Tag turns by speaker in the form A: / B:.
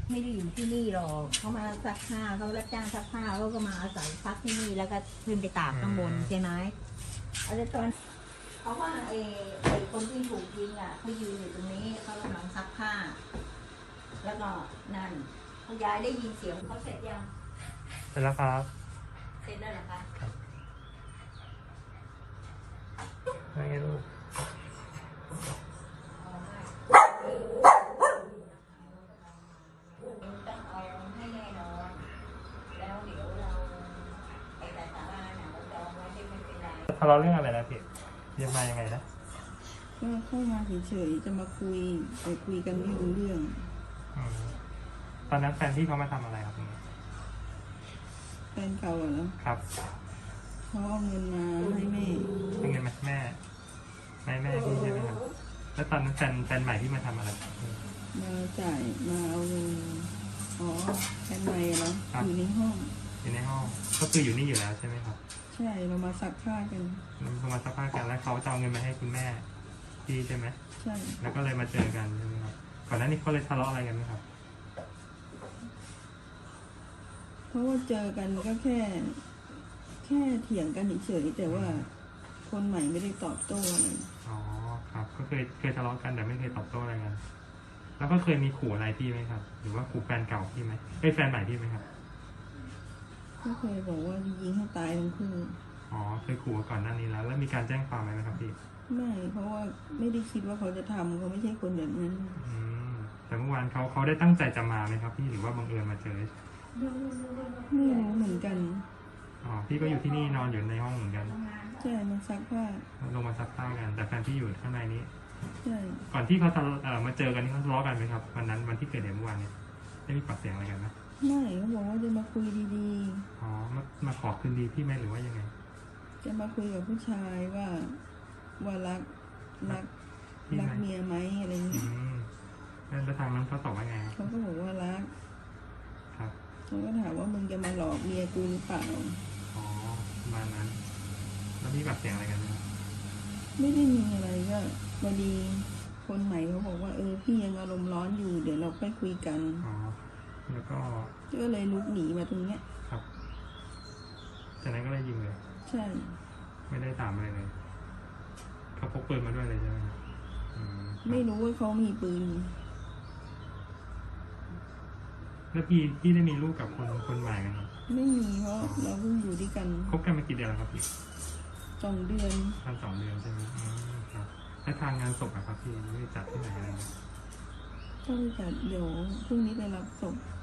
A: ไม่ได้อยู่ที่นี่หรอกเขามาซักผ้าเขารับจ้างซักผ้าเขาก็มาอาศัยพักที่นี่แล้วก็ขึ้นไปตากข้างบนใช่ไหมแล้วตอนเขาว่าไอ้คนที่ถูกยิงอ่ะเขายืนอยู่ตรงนี้เขากำลังซักผ้าแล้วก็นั่นคุณยายได้ยินเสียงเขาเสร็จยัง
B: เสร็จแล้วครับ
A: เสร็จแล้วเหรอคะ
B: ไม่ไงลูก
A: ต้องเอาให้แน่นอนแล้วเดี๋ยวเราไปแต่ศาลาเนี่ยเราจองไว้ที่ไม่เป็นไร
B: ทะเลาะเรื่องอะไรนะพี่ยังมายังไงนะ
C: ก็เข้ามาเฉยๆจะมาคุยแต่คุยกันไม่รู้เรื่อง
B: อืมตอนนั้นแฟนพี่เขามาทำอะไรครับพี่
C: แฟนเก่าเหรอ
B: ครับ
C: เขาเอาเงินมาให้แม่
B: เป็นเงินมาแม่พี่ใช่ไหมครับแล้วตอนนั้นแฟนใหม่ที่มาทำอะไรครับ
C: มาจ่ายมาเอาเงินอ๋อแฟนใหม่เหรออยู่ในห้อง
B: อยู่ในห้องก็คืออยู่นี่อยู่แล้วใช่ไหมครับ
C: ใช่เรามาซักผ้ากัน
B: เขามาสักพักกันแล้วเขาจะเอาเงินมาให้คุณแม่พี่ใช่ไหม
C: ใช่
B: แล้วก็เลยมาเจอกันใช่ไหมครับก่อนหน้านี้เขาเลยทะเลาะอะไรกันไหมครับ
C: เพราะว่าเจอกันก็แค่เถียงกันเฉยๆแต่ว่าคนใหม่ไม่ได้ตอบโต้อะไร
B: อ๋อครับก็เคยทะเลาะกันแต่ไม่เคยตอบโต้อะไรกันแล้วก็เคยมีขู่อะไรพี่ไหมครับ หรือว่าขู่แฟนเก่าพี่ไหมแฟนใหม่พี่ไหมครับ
C: ก็เคยบอกว่ายิงให้ตายทั้งคู่
B: อ๋อเคยขู่มาก่อนหน้านี้แล้วมีการแจ้งความไหมครับพี่
C: ไม่เพราะว่าไม่ได้คิดว่าเขาจะทำเขาไม่ใช่คนแบบนั้น
B: อืมแต่เมื่อวานเขาได้ตั้งใจจะมาไหมครับพี่หรือว่าบังเอิญมาเจอ
C: ไม่รู้เหมือนกัน
B: อ๋อพี่ก็อยู่ที่นี่นอนอยู่ในห้องเหมือนกัน
C: ใช่มาซักผ้า
B: ลงมาซักผ้ากัน แต่แฟนพี่อยู่ข้างในนี้
C: ใช่
B: ก่อนที่เขาจะมาเจอกันนี่เขาทะเลาะกันไหมครับวันที่เกิดเหตุเมื่อวานเนี่ยได้มีปากเสียงอะไรกันไหม
C: ไม่เขาบอกว่าจะมาคุยดี
B: อ๋อมาขอคืนดีพี่ไหมหรือว่ายังไง
C: ๆ จะมาคุยกับผู้ชายว่ารัก
B: พี่ไหม
C: เมียไหมอะไรอย่าง
B: อื
C: เงี้ย
B: มแล้วทางนั้นเขาตอบว่าไงครับ
C: เขาก็บอกว่ารัก
B: ครับ
C: เขาก็ถามว่ามึงจะมาหลอกเมียกูหรือเปล่า
B: อ๋อประมาณนั้น แล้วมีปากเสียงอะไรกันไหมครับ
C: ไม่ได้มีอะไรก็พอดีคนใหม่เขาบอกว่าพี่ยังอารมณ์ร้อนอยู่เดี๋ยวเราค่อยคุยกัน
B: อ๋อแล้วก็
C: ก็เลยลุกหนีมาตรงเนี้ย
B: ครับจากนั้นก็เลยยิงเลย
C: ใช่
B: ไม่ได้ถามอะไรเลยเขาพกปืนมาด้วยเลยใช่ไหมครับอืมครับ
C: ไม่รู้ว่าเขามีปืน
B: แล้วพี่ได้มีลูกกับคนใหม่ไหมครับ
C: ไม่มีเพราะเราเพิ่งอยู่ด้วยกัน
B: คบกันมากี่เดือนแล้วครับพี่
C: 2 เดือน
B: ประมาณ2 เดือนใช่ไหมอืมครับแล้วทางงานศพอะครับพี่ไม่ได้จัดที่ไหนอะไรไหม
C: ก็เลยจัดเดี๋ยวพรุ่งนี้ไปรับศพ
B: อ